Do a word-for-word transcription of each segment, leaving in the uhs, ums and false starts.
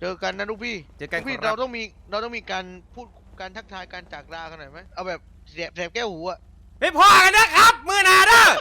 เจอกันนะลูกพี่เจอกันลูกพี่ครับเราต้องมีเราต้องมีการพูดการทักทายการจากลากันหน่อยไหมเอาแบบแสบแสบแก้วหูอะไปพ่อกันนะครับมือหนาเด้อ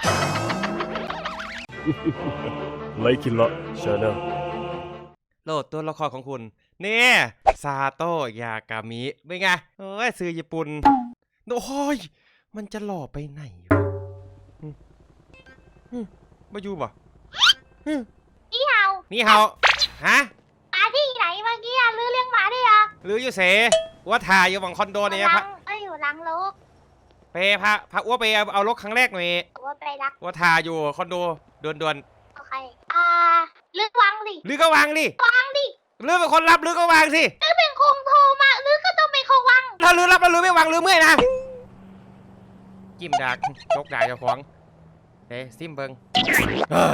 ไลคินละชาแนลโหลดตัวละครของคุณนี่ซาโตะยากามิเป็นไงเอ้ยซื้อญี่ปุ่นโอ้ยมันจะหล่อไปไหนวะอืมอืมมาอยู่บ่อืมนี่เฮานี่เฮาฮะปาที่ไหนเมื่อกี้อะลือเลี้ยงหมาด้วยเหรอหรืออยู่เสว่าถ่ายอยู่บังคอนโดเนี่ยหพลัระงเอ้ยอยู่หลังโลกไปพระพระอ้วไปเอาเอารถครั้งแรกหน่อยว่าไปรักว่าถ่ายอยู่คอนโดด่วนโอเคอ่าลือวางดิๆหรือก็วางดิวางดิหรือเป็นคนรับหรือก็วางสิลือเป็นคงโทรมาลือก็ต้องเป็นคนวางถ้าหรือรับแล้วหรือไม่วางหรือเมื่อยนะจิ้มดากจกดากเจ้าของเฮ้ยซิมเบิงเออ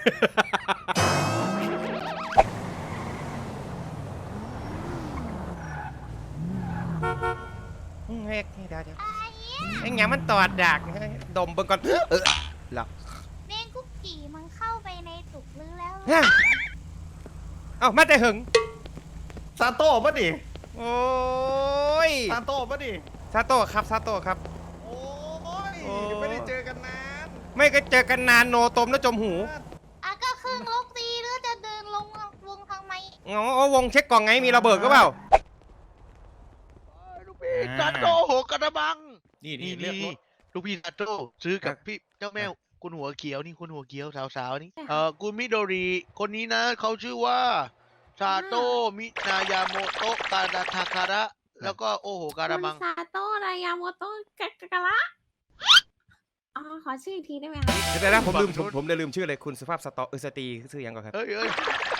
เฮ้ยเดี๋ยวเดี๋ยวไอ้เงี้ยมันตอดดากเฮ้ยดมเบิ่งก่อนเออหลับเมงกุ๊กกี่มันเข้าไปในตุกลือแล้วฮะเอ้ามาแต่หึงซาโต้ปะดิโอ้ยซาโต้ปะดิซาโต้ครับซาโต้ครับโอ้ยโอ้ไม่ได้เจอกันนานไม่ก็เจอกันนานโนตมแล้วจมหูอ่ะก็ครึ่งลูกตีหรือจะเดินลงวงทางไหมอ๋อวงเช็คกล่องไงมีระเบิดก็เปล่าลูกพี่ซาโตโหกระบังนี่นี่นี่เลือกรนี่ถลูกพี่ซาโตซื้อกับพี่เจ้าแม่คุณหัวเขียวนี่คุณหัวเขียวสาวๆนี่เออคุณมิโดริคนนี้นะเขาชื่อว่าซาโตมินายาโมโตะกาดาทาคาระแล้วก็โอโหการะมังคุณซาโตะรายาโมโตะกะกะกะระอ๋อขอชื่ออีกทีได้ไหมคะเดี๋ยวนะผมลืมผมผมเลยลืมชื่อเลยคุณสุภาพสตอเออสตรีชื่อยังก่อนครับเฮ้ยเฮ้ย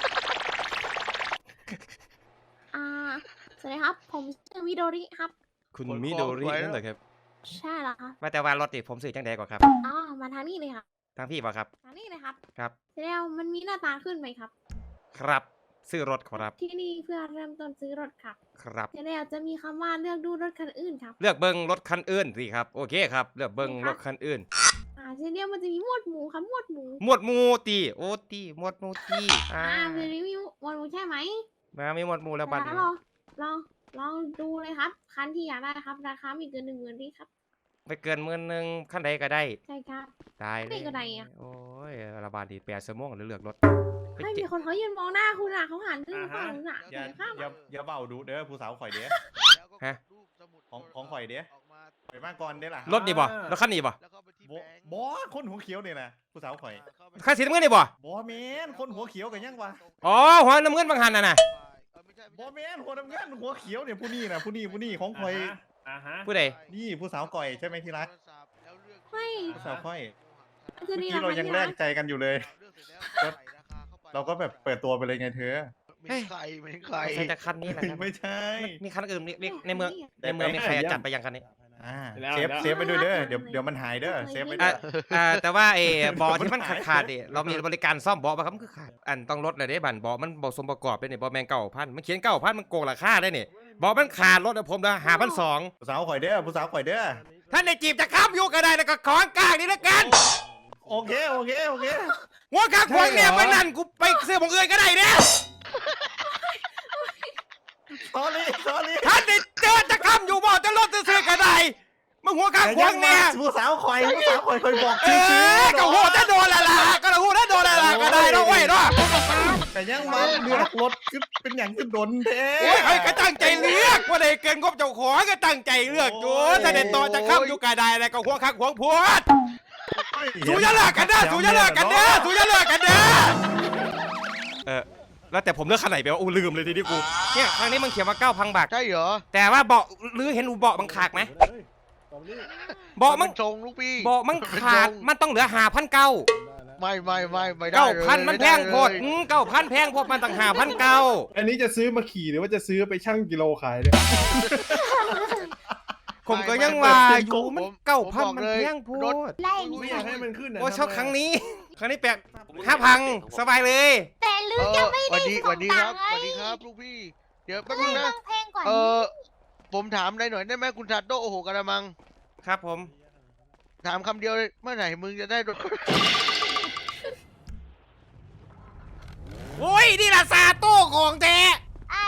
อ่าสวัสดีครับ ผมชื่อวิโดริครับคุณมิโดรินั่นเหรอครับใช่แล้วครับว่าแต่ว่ารถติผมซื้อจังใดก่อนครับอ๋อมาทางนี้เลยครับทางพี่ป่ะครับทางนี้เลยครับครับแล้วมันมีหน้าตาขึ้นไหมครับครับซื้อรถครับที่นี่เพื่อเริ่มต้นซื้อรถครับครับแล้วจะมีคำว่าเลือกดูรถคันอื่นครับเลือกเบิ้งรถคันอื่นสิครับโอเคครับเลือกเบิ้งรถคันอื่นอ่าทีเดียวมันจะมีหมวดหมูครับหมวดหมูหมวดหมูตีโอตีหมวดหมูตีอ่าอ่าเป็นรีวิวหมวดหมูใช่ไหมมามีหมวดหมูแล้วบัดแล้นี้วลองลองลองดูเลยครับ คันที่อยากได้ครับ ราคาไม่เกินหนึ่งหมื่นที่ครับไปเกินหมื่นหนึ่งขั้นใดก็ได้ใช่ครับได้เลยไม่ก็ได้อะโอ้ยระบาดดีแปดสมองหรือเลือกรถไปไม่เจ็มีบคนเขายืนมองหน้าคุณอ่ะเขาหันขึ้นอ่าฝั่ฮะงนู้นอ่ะอย่าเดี๋ยวข้ามอย่าอย่าเบาดูเด้อผู้สาวข่อยเด้อแล้วก็ฮะรูปสมุดของของข่อยเด้ออกมาข่อยมาก่อนเด้ล่ะรถนี่บ่รถคันนี้บ่แล้วก็ไปที่บแบงค์บอคนหัวเขียวเนี่ยนะผู้สาวข่อยคันสีน้ำเงินนี่บ่บอแมนคนหัวเขียวกันยังวะอ๋อหัวน้ำเงินบางหันน่ะนะเออไม่ใช่บอแมนหัวน้ำเงินหัวเขียวเนี่ยผู้นี้นะผู้นี้ผู้นี้ของข่อยอ่าฮะผู้ใดนี่ผู้สาวก่อยใช่ไหมที่รักไม่ผู้สาวข่อยคือเมื่อนี่กี้เรานะคะยังที่แลรักกใจกันอยู่เลย เราก็แบบเปิดตัวไปเลยไงเธอไม่ใครไม่ใครใช่แต่คันนี้แหละครับไม่ใช่มีคันอื่นมีมีในเมืองในเมืองมีใครจัดไปยังคันนี้อ่าเซฟเซฟไปด้วยเด้อเดี๋ยวเดี๋ยวมันหายเด้อเซฟไปด้อ่ะวยอ่าแต่ว่าไอ้เบาะที่มันขาดขาดๆดิเรามีบริการซ่อมเบาะป่ะครับมันคือขาดอันต้องลดเลยเด้บันเบาะมันเบาะสมประกอบด้วยนี่เบาะแมงเก่าพันมันเขียนเก่าพันมันโกงราคาได้นี่เบาะมันขาดลดผมละหาพันสองผู้สาวข่อยเด้อผู้สาวข่อยเด้อท่านในจีบจะข้ามยุคก็ได้แล้วก็ของกลางนี่ละกันโอเคโอเคโอเคหัวกลางขวางเนี่ยใช่เหรอมันนั่นกูไปซื้อของอื่นก็ได้เนี่ยสอรี่สอรี่ท่านในเจอจะข้ามอยู่บ่จะลดซื้อก็ได้มันหัวกลางขวางเนี่ยผู้สาวข่อยผู้สาวข่อยเคยบอกเอชื่ออก็หัวจะโดนละล่ะก็หัวจะโดนละล่ะก็ได้แล้วเว้ยเนาะแต่ยังมาเลือกรถคือเป็นอย่างคือดนแท้โอ้ยใครก็ตั้งใจเลือกว่าได้เกินงบเจ้าของก็ตั้งใจเลือกอยู่ถ้าเด็ดต่อจะข้ามอยู่ก็ได้แล้วก็หัวคักหัวพวดสูอย่าเลิกกันเด้อสูอย่าเลิกกันเด้อสูอย่าเลิกกันเด้อเออแล้วแต่ผมเลือกคันไหนไปวะอู้ลืมเลยทีนี้กูเนี่ยครั้งนี้มันเขียนมาเก้าพันบาทใช่เหรอแต่ว่าเบาะหรือเห็นอูเบาะมันขาดไหมเบาะมันชงลูกพี่เบาะมันขาดมันต้องเหลือหาพันเก้าไม่ไม่ไม่ไม่ได้เก้าเลยพันมันแพงโพดไไเก้าพันแพงโพดมันต่างหาพันเก้าอันนี้จะซื้อมาขี่หรือว่าจะซื้อไปชั่งกิโลขายเนี่ยผมก็ยังว่าอยู่มันเก้าพันมันแพงโพดไล่ไม่อยากให้มันขึ้นนะโอ้ชอบครั้งนี้ ครั้งนี้แปดห้าพังสบายเลยแต่ลือเอจะอไม่สวัได้สดีสส่วังสดีคตัรังบค์สไงวัสดีครับลูกพี่ เดี๋ยวแป๊บเลนึงยนะต้องแพงกว่าเอนี้อผมถามได้หน่อยได้ไหมคุณซาโตะโอโหกระมังครับผมถามคำเดียวเลยเมื่อไหร่มึงจะได้รถโอ้ยนี่ละซาโต้ของแท้อ่า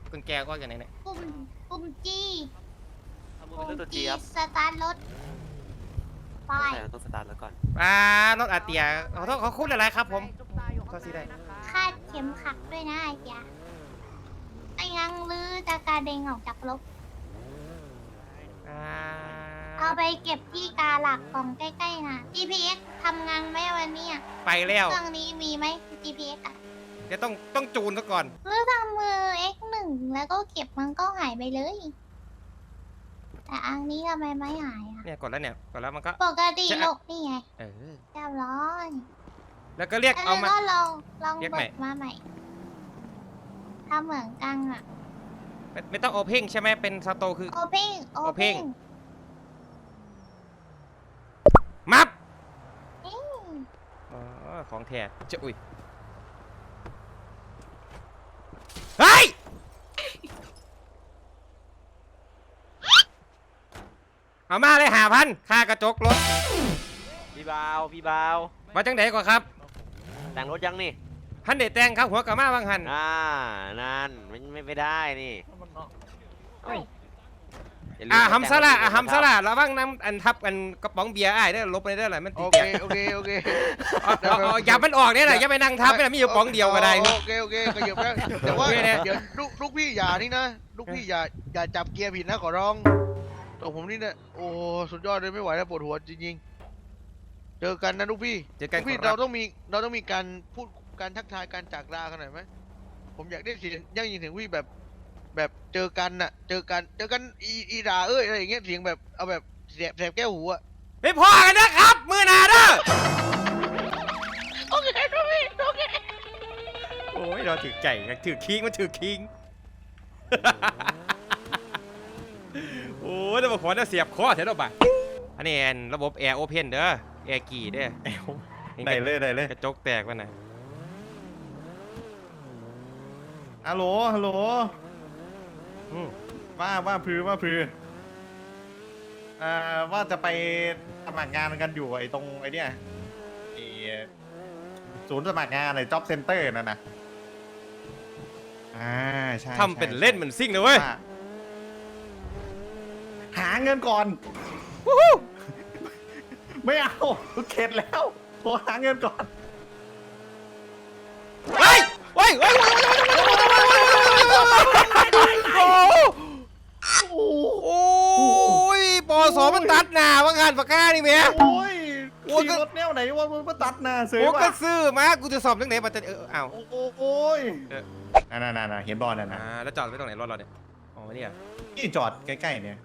กุญแจก็อย่างไหนเนี่ยปุ่มปุ่มจีเอามือปุ่เป็นมตัวจีจีครับสตาร์ทรถไปใส่ตัวสตาร์ทแล้วก่อนอ่ารถอาเตียขอโทษขอคุณอะไรครับผมก็สิได้คาดเข็มขัดด้วยนะไอ้ยาไอ้ยังลือจะกระเด็งออกจากรถอ่าเอาไปเก็บที่กาหลักกล่องใกล้ๆนะ จี พี เอ็กซ์ ทำงานไหมวันนี้อะไปแล้วเครื่องนี้มีไหม จี พี เอ็กซ์ อะเดี๋ยวต้องต้องจูนซะก่อนหรือทำมือ เอ็กซ์ หนึ่ง แล้วก็เก็บมันก็หายไปเลย แต่อันนี้ทำไมไม่หายอะเนี่ยกดแล้วเนี่ยกดแล้วมันก็ปกติจะโลกนี่ไงเออเรียบร้อยแล้วก็เรียกแล้วเอามาก็ลองลองเรียกเบิใหม่กมาใหม่ทำเหมือนกันอะไม่ไม่ต้องโอเพนใช่ไหมเป็นสโตคือโอเพ่งโอเพ่ง Open มับอืมอ๋อของแท้จะอุ้ยเฮ้ยเอามาเลยหาพันค่ากระจกรถพี่บาวพี่บาวมาจังไหนก่อนครับแต่งรถยังนี่พันเดแตงครับหัวกะมาบางหันอ่านั่นไม่ไม่ไม่ได้นี่ย่ลืมอ่าแต่งฮัมซาร่ารถอ่าฮัมนะคซารับร่าระวังน้ำอันทับอันกระป๋องเบียร์อ้ายได้อลบไปได้อหรอมันติโอดเคแกะโอเคโอเคเอาเอาเอาอย่ามันออกเนี่ยนะอย่าไปนั่งทับไม่ได้มีอยู่ป๋องเดียวก็ได้โอเคโอเคขยับได้แต่ว่าโอเคเนี่ยเดี๋ยวลูกลูกพี่อย่านี่นะลูกพี่อย่าอย่าจับเกียร์ผิดนะขอร้องตัวผมนี่เนี่ยโอ้สุดยอดเลยไม่ไหวแล้วปวดหัวจริงๆเจอกันนะลูกพี่เจอกันลูกพี่ครัเราบต้องมีเราต้องมีการพูดการทักทายการจากลากันหน่อยไหมผมอยากได้เสียงยั่งยินเสียงพี่แบบแบบเจอกันน่ะเจอกันเจอกันอีอีด่าเอ้ยอะไรอย่างเงี้ยเสียงแบบเอาแบบแสบแสบแก้วหูอะไม่พอกันนะครับ มือหนาเด้อโอเคลูกพี่โอเคโอ้ยเราถือไก่ถือคิงมันถือคิง โอ้ยแล้วมาขอจะเสียบคอเถอะดอกบ่ะอันนี้แอนระบบแอร์โอเพนเด้อแอร์กี่เด้อได้เลยได้เลยกระจกแตกวะนะฮัลโหลฮัลโหลอืมว่าว่าพือว่าพืออ่าว่าจะไปสมัครงานกันอยู่ไอ้ตรงไอ้เนี่ยไอ้ศูนย์สมัครงานไอ้ job center นั่นนะอ่าใช่ทำเป็นใช่เล่นเหมือนซิ่งนะเว้ยว่าหาเงินก่อน ไม่เอาเข็ดแล้วโทรหาเงินก่อนเฮ้ยเฮ้ยเฮ้ยโอ้ยปอสอมันตัดหน้าว่างานปากกานี่เมียโอ้ยโอ้ยขี่รถแนวไหนว่ามันมาตัดหน้าเสือโอ้วะก็ซื้อมากูจะสอบเรื่องไหนมาจะเอออ้าวโอ้โหโอ้ยเออนั่นนั่นๆๆเห็นบอลนั่นอ่านะแล้วจอดไว้ตรงไหนรถเราเนี่ยอ๋อเนี่ยนี่จอดใกล้ๆเนี่ย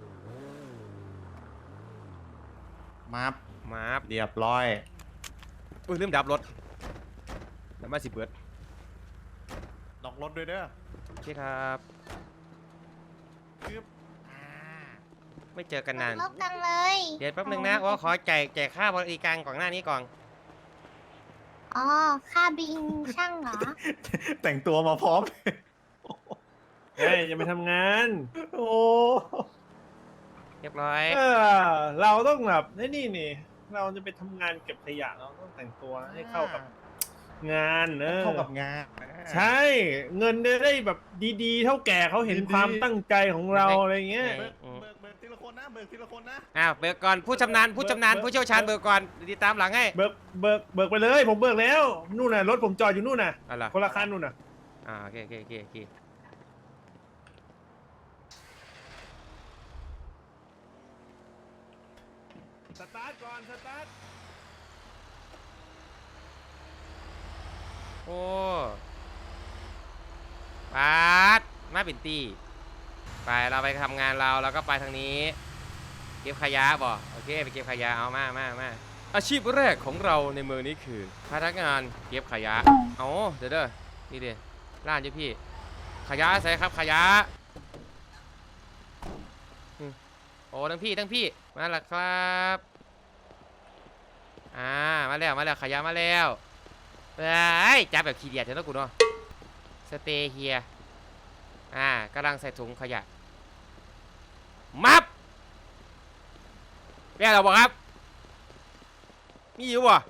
มาบมาเรียบร้อยอุ้ยลืมดับรถแล้วมาสิเบิร์ดล็อกรถด้วยเด้อโอเคครับคืออ่าไม่เจอกันนานลบกันเลยเดี๋ยวแป๊บนึงนะว่าขอจ่ายจ่ายค่าบริการก่อนหน้านี้ก่อนอ๋อ ค่าบินช่างเหรอแต่งตัวมาพร้อมเฮ้ยจะไปทำงานโอ้เรียบร้อยเออ เราต้องแบบไอ้นี่นี่ เราจะไปทำงานเก็บขยะเราต้องแต่งตัวให้เข้ากับงานเออเข้ากับงานใช่ เงินจะได้แบบดีๆ เท่าแก่เขาเห็นดีๆความตั้งใจของเราอะไรเงี้ยเบิกเบิกเบิกทีละคนนะเบิกทีละคนนะอ่าเบิกก่อนผู้ชำนาญผู้ชำนาญเบิกผู้เชี่ยวชาญเบิกก่อนเดี๋ยวติดตามหลังให้เบิกเบิกเบิกไปเลย ผมเบิกแล้ว นู่นน่ะรถผมจอดอยู่นู่นน่ะอะไรคนละคันนู่นน่ะอ่าโอเคโอเคโอเคโอเคสตาร์ทก่อน สตาร์ทโอ้ปาดมาเป็นตีไปเราไปทำงานเราแล้วก็ไปทางนี้ เก็บขยะบ่โอเคไปเก็บขยะเอามามามาอาชีพแรกของเราในเมืองนี้คือพนักงานเก็บขยะเอาเดี๋ยวเด้อนี่เด้ร้านเจ้าพี่ขยะใส่ครับขยะอืมโอ้ทั้งพี่ทั้งพี่มาแล้วครับอ่ามาแล้วมาแล้วขยะมาแล้วเฮ้ยจับแบบขี้เดียดเถอะนะกูเนาะสเตย์เฮียอ่ากำลังใส่ถุงขยะมับแม่เราบอกครับมีอยู่บ่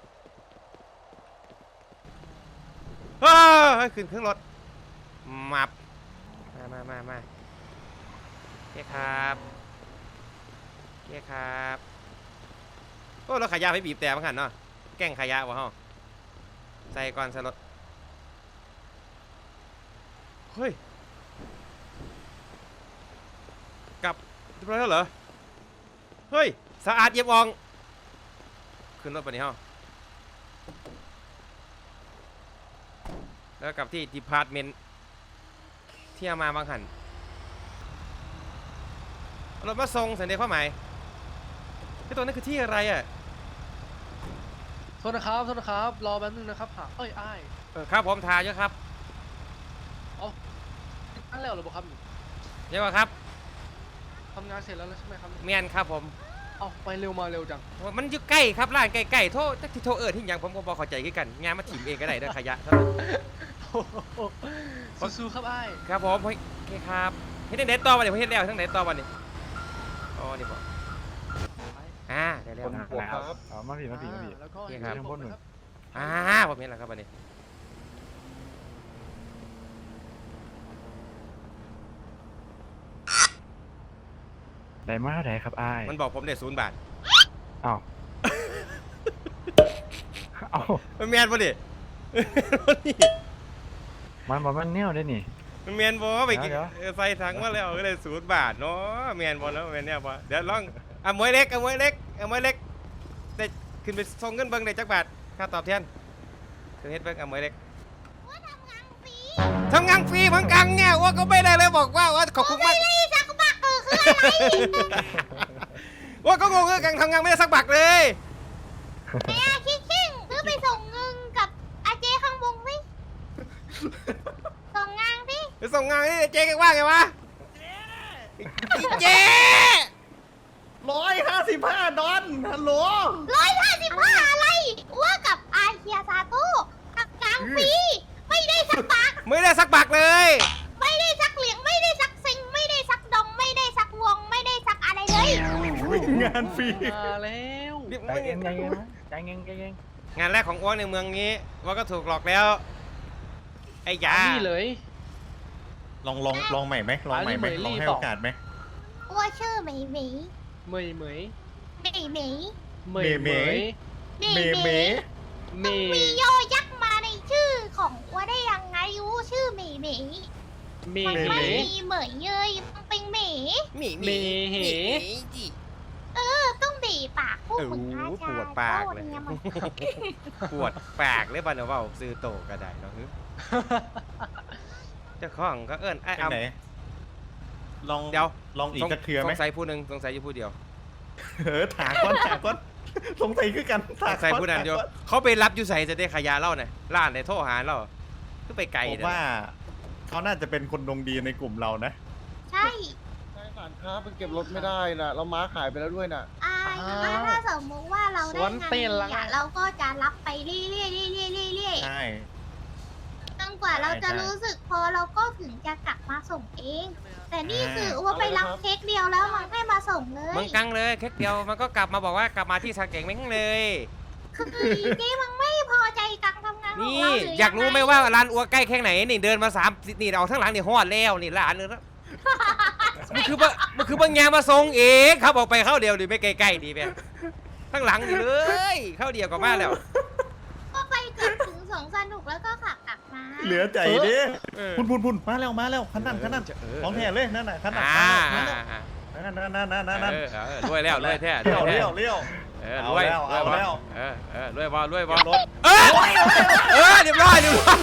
เฮ้ยขึ้นเครื่องรถมับอ่มามามามาโอเคครับโอเคครับโอ้รถขายยาไปบีบแต่บ้างหันเนาะแกล้งขายยาวะฮะใส่ก่อนใส่รถเฮ้ยกลับเรียบร้อยแล้วเหรอเฮ้ยสะอาดเยี่ยมอองขึ้นรถไปนี่ฮะแล้วกลับที่ดีพาร์ตเมนต์ที่เอามาบางหันรถมาส่งสันเดชความหมายที่ตัวนั้นคือที่อะไรอ่ะโทษนะครับโทษนะครับรอแป๊บนึงนะครับหาเอ้ยอ้ายเออครับผมทาเยอะครับนั่นแล้วเหรอบอกครับเยอะกว่าครับทำงานเสร็จแล้วใช่ไหมครับเมียนครับผมเอาไปเร็วมาเร็วจังมันอยู่ใกล้ครับร้านใกล้ๆโทษที่โทษเอิร์ที่ยังผมก็บอกเข้าใจคือกันงานมาถิ่มเองก็ได้เด้อขยะสู้ๆครับอ้ายครับผมโอเคครับเฮ็ดเด็ดต่อวันนี้เฮ็ดแล้วทั้งเด็ดต่อวันนี้อ๋อนี่บอกอ่าได้แล้วครับเอามาผีมาผีมาผีอ่แล้วก็โอเคครับเดี๋ยวผมนะครับอ่าผมเห็นแล้วครับวันนี้ได้มาเท่าไหร่ครับอ้ายมันบอกผมได้ศูนย์บาทอ้าว เอ้ามันแมนป่ะดิมันบอกมันแนวได้นี่มันแมนบ่ไปกินเดี๋ยวเออใส่ถังมาแล้วก็เลยศูนย์บาทเนาะแมนบ่แล้วแมนเนี่ยบ่เดี๋ยวลองอ่ะมวยเล็กอ่ะมวยเล็กอ่ะมวยเล็กได้ขึ้นไปส่งเงินเบิ่งได้จักบาทค่าตอบแทนขึ้นเฮ็ดเบิ่งอ่ะมวยเล็กว่าทำงานฟรีทำงานฟรีเหมือนกันเนี่ยว่าก็ไม่ได้เลยบอกว่าว่าขอบคุณมากไม่ได้สักบักเออคืออะไรว่าก็งงคือกันทำงานไม่ได้สักบาทเลยไอ้อาคิกคิงซื้อไปส่งเงินกับอาเจข้างบงสิส่งงานสิไปส่งงานนี่เจ๊กันว่าไงวะเจ๊ร้อยห้าสิบห้าดอนฮัลโหลร้อยห้าสิบห้าอะไรว่ากับอาเคียซาโต้ทำงานฟรีไม่ได้สักบักไม่ได้สักบาทเลยไม่ได้สักเหลียงไม่ได้สักซิงไม่ได้สักดองไม่ได้สักวงไม่ได้สักอะไรเลยงานฟรีมาแล้วใจเย็นใจเย็นนะใจเย็นใจเย็นงานแรกของอ้วนในเมืองนี้ว่าก็ถูกหลอกแล้วไอ้ยานี่เลยลองลองลองใหม่ไหมลองใหม่ไหมอันนี้เหมยลี่ลองให้เปล่าโอกาสไหมว่าชื่อเหมยเหมยเหมยเหมยเหมยเหมยเหมยเหมยเหมเมยเมเมต้องมีโยยักษ์มาในชื่อของว่าได้ยังไงรู้ชื่อเหมยเหมยเมมันเหมไม่ยมีเหมยเยยมันเป็นเหมยหมีเมเหเออต้องบีบปากพวกเออมึงอาปจารวดย์ปากโทษเลยนี่มันปวดปากเลยบ้านเราซื้อโตก็ได้เนาะเจ้าของก็เอิ้นไอ้เป็นอำไหนลองเดี๋ยวลองอีกกระเทือไหมสงสัยผู้หนึ่งสงสัยอยู่ผู้เดียวเออถาก้อนถาก้อนสงสัยคือกันสงสัยผู้นั้นเดียวเขาไปรับอยู่ใส่จะได้ขายยาเล่าเนี่ยร้านในโทรหาเราคือไปไกลผมเนี่ยว่าเขาน่าจะเป็นคนดวงดีในกลุ่มเรานะใช่ใช่ร้านค้ามันเก็บรถไม่ได้นะเราม้าขายไปแล้วด้วยนะอ่าถ้าสมมติว่าเราได้สวนงานเต้นละเนี่ยเราก็จะรับไปเรื่อยๆเรื่อยๆเรื่อยๆใช่จนกว่าเราจะใช่รู้สึกพอเราก็ถึงจะกลับมาส่งเอง แต่นี่คือว่าไปเอาเลยรับครับเค้กเดียวแล้วมันให้มาส่งเลยมึงกังเลยแค่เดียวมันก็กลับมาบอกว่ากลับมาที่สาเก่งแม่งเลยคือเจ๊มันไม่พอใจการทำงานของนี่เราหรืออยากรู้ไหมว่าร้านอัวใกล้แค่ไหนนี่เดินมาสามนี่เอาทั้งหลังนี่ฮอดแล้วนี่ร้านนึงแล้วมันคือบ่มันคือบางอย่างมาส่งเองครับออกไปเข้าเดียวดิไม่ไกลๆดีแม่ทั้งหลังนี่เลยเข้าเดียวก็มาแล้วก็ไปเกือบถึงสองสนุกแล้วก็ขับกลับมาเหลือใจดิเออพุ่นพุ่นพุ่นมาแล้วมาแล้วขันนั่นขันนั่นเออของแท้เลยนั่นน่ะขันนั่นอ่ามาแล้วนั่นนั่นนั่นนั่นนั่นนั่นเออเออรวยแล้วรวยแท้รเลี้ยววยแท้เลี้ยวเลี้ยวเออเอารวยแล้วรวยเอาบ่แล้วเออเออรวยบ่รวยบ่รถเออเออเรียบร้อยเรียบร้อย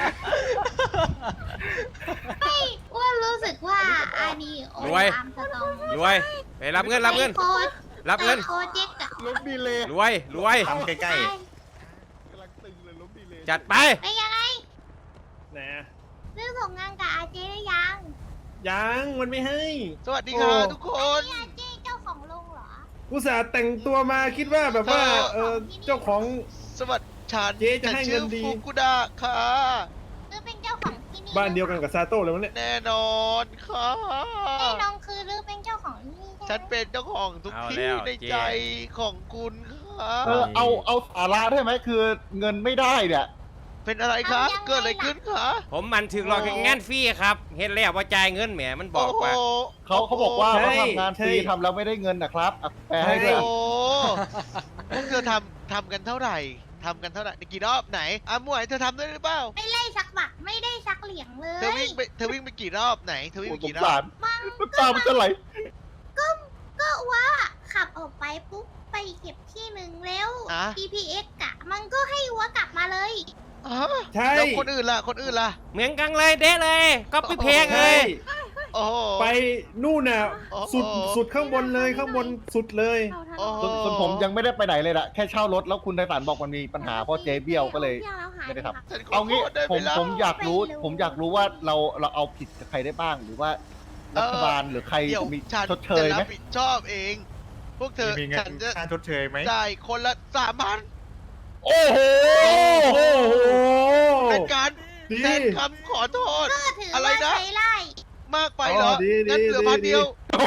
ไม่อ้วนรู้สึกว่าอันนี้โอ้รวยตามสตองรวยไปรับเงินรับเงินโค้ดรับเงินโค้ดเจ๊กอะรถดีเลยรวยรวยทำใกล้กำลังตึงเลยรถดีเลยจัดไปเป็นยังไงนะซื้อส่งงานกับอาเจได้ยังยังมันไม่ให้สวัสดีครับโอ้ทุกคนนี่อาเจเจ้าของโรงเหรอกูสาห์แต่งตัวมาคิดว่าแบบว่าเออเจ้าของสวัสดีฉันเจ๊จะให้เงิชื่นอดีฟุกุดะค่ะซื้อเป็นเจ้าของที่นี่บ้านเดียวกันกับซาโต้เลยมั้งเนี่ยแน่นอนค่ะไอ้น้องคือลือเป็นเจ้าของที่นี่ใช่ฉันไหมเป็นเจ้าของทุกเอาที่แล้วในเจ๊ใจของคุณค่ะเออเอาเอาสาระได้ไหมคือเงินไม่ได้เนี่ยทเป็นอะไรคะ เกิดอะไรขึ้นคะผมมันถึกหลอกอย่างงานฟรีครับ เห็นแล้วว่าจ่ายเงินแหมมันบอกว่าโโหเขาเขาบอกว่าใช่เขาทำงานฟรีใช่ทำแล้วไม่ได้เงินนะครับอ่ะแปลให้ด้วยโอ้พวกเธอทำทำกันเท่าไหร่ทำกันเท่าไหร่กี่รอบไหนอ่ะหมวยเธอทำได้หรือเปล่าไม่ไล่ชักบัตรไม่ได้ชักเหลียงเลเธอย วิ่งไปเธอวิ่งไปกี่รอบไหนเธอวิ่งโอ้ไปสงกี่รอสาบรมันน้ำตามันจะไหลก็ว่าขับออกไปปุ๊บไปเก็บที่หนึ่งแล้วอ่ะพี พี เอ็กซ์ กะ มันก็ให้วัวกลับมาเลยอ๋อใช่แล้วคนอื่นล่ะคนอื่นล่ะเหมือนกันเลยเด้เลยก็ไปเพลงเลใช่ยโอ้โหไปนู่นน่ะโอ้โหสุดสุดข้างบนเลยข้างบนสุดเลยโอ้โหส่วนส่วนผมยังไม่ได้ไปไหนเลยล่ะแค่เช่ารถแล้วคุณไทสันบอกมันมีปัญหาเพราะเจ๊เบี้ยวก็เลย ไม่ได้ทำฉันขเอางี้โทษได้ผไหมล่ะผมอยากรู้ ผมอยากรู้ว่าเราเราเอาผิดกับใครได้บ้าง หรือว่ารัฐบาลหรือใครเดี๋ยวมีฉันชดเชยจะไหมรับผิดชอบเอง พวกเธอมีเงิฉันนจะค่าชดเชยไหมจ่ายคนละสามพันโอ้โหโอ้โหเป็นการดีเซ็นคำขอโทษก็ถืออะไรว่านะใช้ไล่มากไปเหรออ๋อดีดีงั้นเหลือดีพันเดียว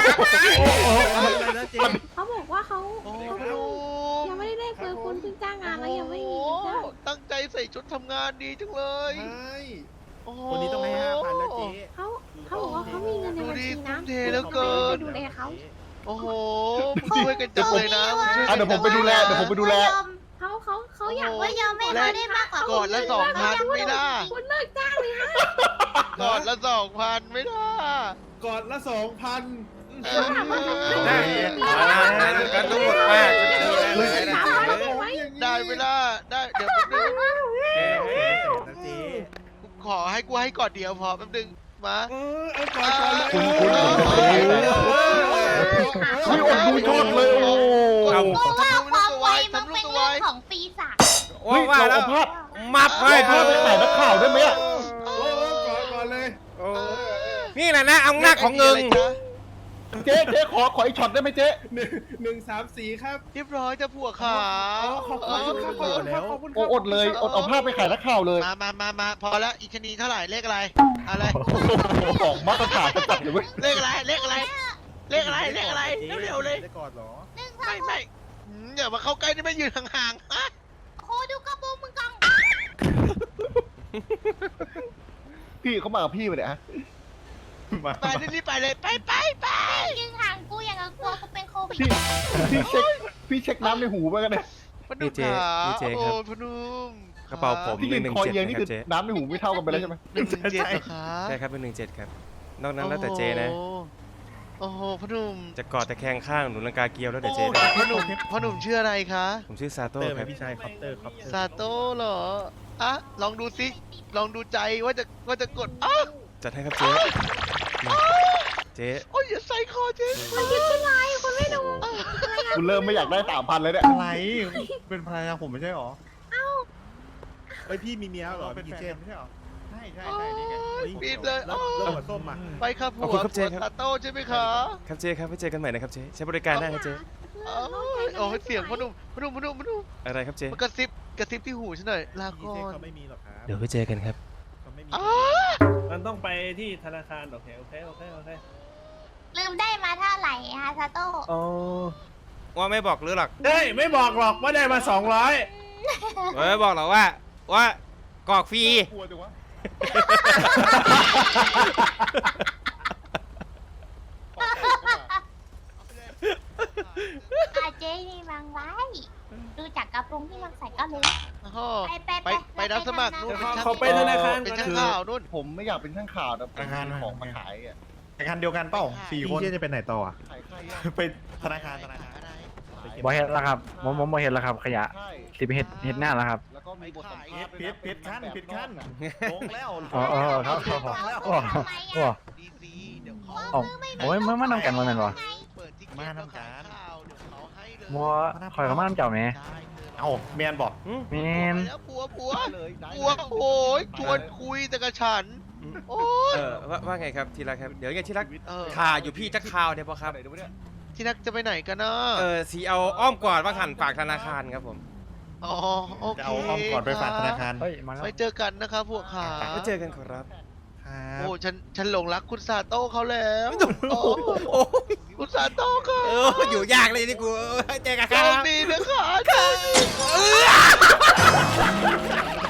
เขาบอกว่าเขาโอ้เขาโหยังไม่ได้ได้เปิดคุณเพิ่งจ้างงานแล้วยังไม่มีเงินจ้างตั้งใจใส่ชุดทำงานดีจังเลยโอ้โหคนนี้ต้องให้ห้าพันแล้วเจ๊เขาเขาบอกว่าเขามีเงินในบัญชีนะดูดิทุ่มเทเหลือเกินดูแลเขาโอ้โหมึงช่วยกันจังเลยนะมึงช่วยอ่ะกันเดี๋ยวผมไปดูแลเดี๋ยวผมไปดูแลเขาเขาเขาอยากโอ้โหว่ายอมให้เขาได้มากกว่าก่อนละสองพันไม่ได้คุณเลิกจ้างเลยฮะก่อนละสองพันไม่ได้ก่อนละสองพันเออได้นั้นก็รู้หมดมากก็ดีเลยนะสามพันเอาไว้ได้ไม่ได้ได้เดี๋ยวแป๊บนึงกูขอให้กูให้ก่อนเดียวพอแป๊บนึงมาเออเอาก่อนก่อนเลยคุณคุณผมจะไปไหนอุ้ยอดดูชดเลยโอ้เอาก็ว่าความไวมันเป็นเรื่องของปีศาจโอ้เฮ้ยว่าเราแล้วเอาภาพมับไว้เราภาพไปถ่ายนักข่าวได้ไหมอะโอ้ก่อนก่อนเลยโอ้นี่แหละนะอำนาจของเงินเจ๊เจ๊ขอขออีกช็อตได้ไหมเจ๊หนึ่งหนึ่งสามสี่ครับเรียบร้อยจะผัวขาอ๋อขอบคุณครับขอบคุณครับขอบคุณคโอ้รับอดเลยอดเอาภาพไปขายนักข่าวเลยมามามามาพอแล้วอีกชนีเท่าไหร่เลขอะไรอะไรของมาตรฐานจัดเลยเว้ยเลขอะไรเลขอะไรเลขอะไรเลขอะไรเร็วๆเลยได้ก่อนเหรอหนึ่งสาไม่มไม่หืมอย่ามาเข้าใกล้นี่ไม่ยืนห่างๆฮะโคดูกระโปรงมึงกังพี่เขามากับพี่ไปเนี่ยฮะมาไปรีบๆไปเลยไปไปไปยืนห่างกูอย่างกับกลัวกูเป็นโควิดพี่พี่เช็คพี่เช็คน้ำในหูไปกันเนี่ยพนุมขาโอ้พนุมกระเป๋าผมพี่หยืนึ่นงหนึ่งคอเจ็ดเอียงนะนี่ครัคืบอเจ๊น้ำในหูไม่เท่ากันไปแล้วใช่ไหมหนึ่งหนึ่งเจ็ดเหรอคะใช่ครับเป็นหนึ่งเจ็ดครับนอกนั้นแล้วแต่เจนะโอ้โหพนุมจะกอดตะแคงข้างหนุนลังกาเกียวแล้วแต่เจโอ้นะพนุมพนุมชื่ออะไรคะผมชื่อซาโต้ครับพี่ชายคอปเตอร์คอปเตอร์ซาโต้เหรออ่ะลองดูสิลองดูใจว่าจะว่าจะกดอ้าวจัดให้ครับเจ๊นี่เจ๊โอ้ยอย่าใส่คอเจ๊มันคิดเป็นไรคุณไม่ดูคุณเริ่มไม่อยากได้สามพันเลยเนี่ยอะไร เป็นภรรยาผมไม่ใช่หรอเฮ้ยพี่มีเมียเหรอเป็นพี่แฟเจนมไม่ใช่หรอ ใช่ใช่โอ้ใช่นี่ไงยปิดเลยแล้วอ้าวแล้วหัวส้มอ่ะไปครับผัวขอบคุณครับเจ๊ผัวครับซาโต้ใช่ไหมคะครับเจ๊ครับไว้เจอกันใหม่นะครับเจ๊ใช้บริการได้ครับเจ๊โอ้ยโอ้ยเสียงพนุมพนุมพนุมพนุมอะไรครับเจ๊มากระซิบกระซิบที่หูฉันหน่อยลาพี่ก่อเจนเขาไม่มีหรอกครับเดี๋ยวไว้เจอกันครับเขาไม่มีอ้ามันต้องไปที่ธนาคารโอเคโอเคโอเคโอเคลืมได้มาเท่าไหร่ฮะซาโต้อ๋อว่าไม่บอกหรือหรอกเฮ้ยไม่บอกหรอกว่าได้มาสองร้อยไม่บอกหรอกว่า ว่ากรอกฟรีกลัวจังวะอาเจนี่บางไว้ดูจากกระโปรงที่มันใส่ก็รู้โอ้โหไปไปไปไปรับสมัครนู่นเขาไปธนาคารเป็นก่อนช่างข่าวนู่นผมไม่อยากเป็นช่างข่าวแต่ผมมีของมาขายอ่ะธนาคารเดียวกันเปล่าสี่คนพี่จะไปไหนต่ออ่ะขายใครอ่ะไปธนาคารธนาคารบ่เห็นแล้วครับผมผมบ่เห็นแล้วครับ ขยะใช่สิไปเห็ดเห็ดหน้าแล้วครับแล้วก็มีบทสัมภาษณ์ผิดผิดขั้นผิดขั้นลงแล้วอ๋ออ๋อครับครับต้องแล้วโอ้โอ้ดีซีเดี๋ยวเขาอ๋อโอ้ยมันมันนำกันมาแม่นบ่เปิดทิกเก็ตมาแล้วทำการขายข่าวเดี๋ยวเขาให้เลยมัวคอยกับมันำเจ้าแหมได้เอาเมียนบอกแม่นแล้วผัวผัวได้เลยได้ผัวโอ้ยชวนคุยแต่กับฉัน โอ้ยเออว่าว่าไงครับทีรักครับ เดี๋ยวไงทีรักเออข่าอยู่พี่จะข่าวเดี๋ยวพอครับที่นักจะไปไหนกันนะเออสีเอาอ้อมกอดว่าหันฝากธนาคารครับผมอ๋อโอเคจะเอาอ้อมก่อนไปฝากธนาคารเฮ้ยมาแล้วไว้เจอกันนะครับพวกขาไว้เจอกันขอรับครับโอ้ฉันฉันหลงรักคุณซาโต้เขาแล้วโอ้โอ้คุณซาโต้ค่ะเอออยู่ยากเลยนี่กูเออเจอกันคโชรับคดีนะคะ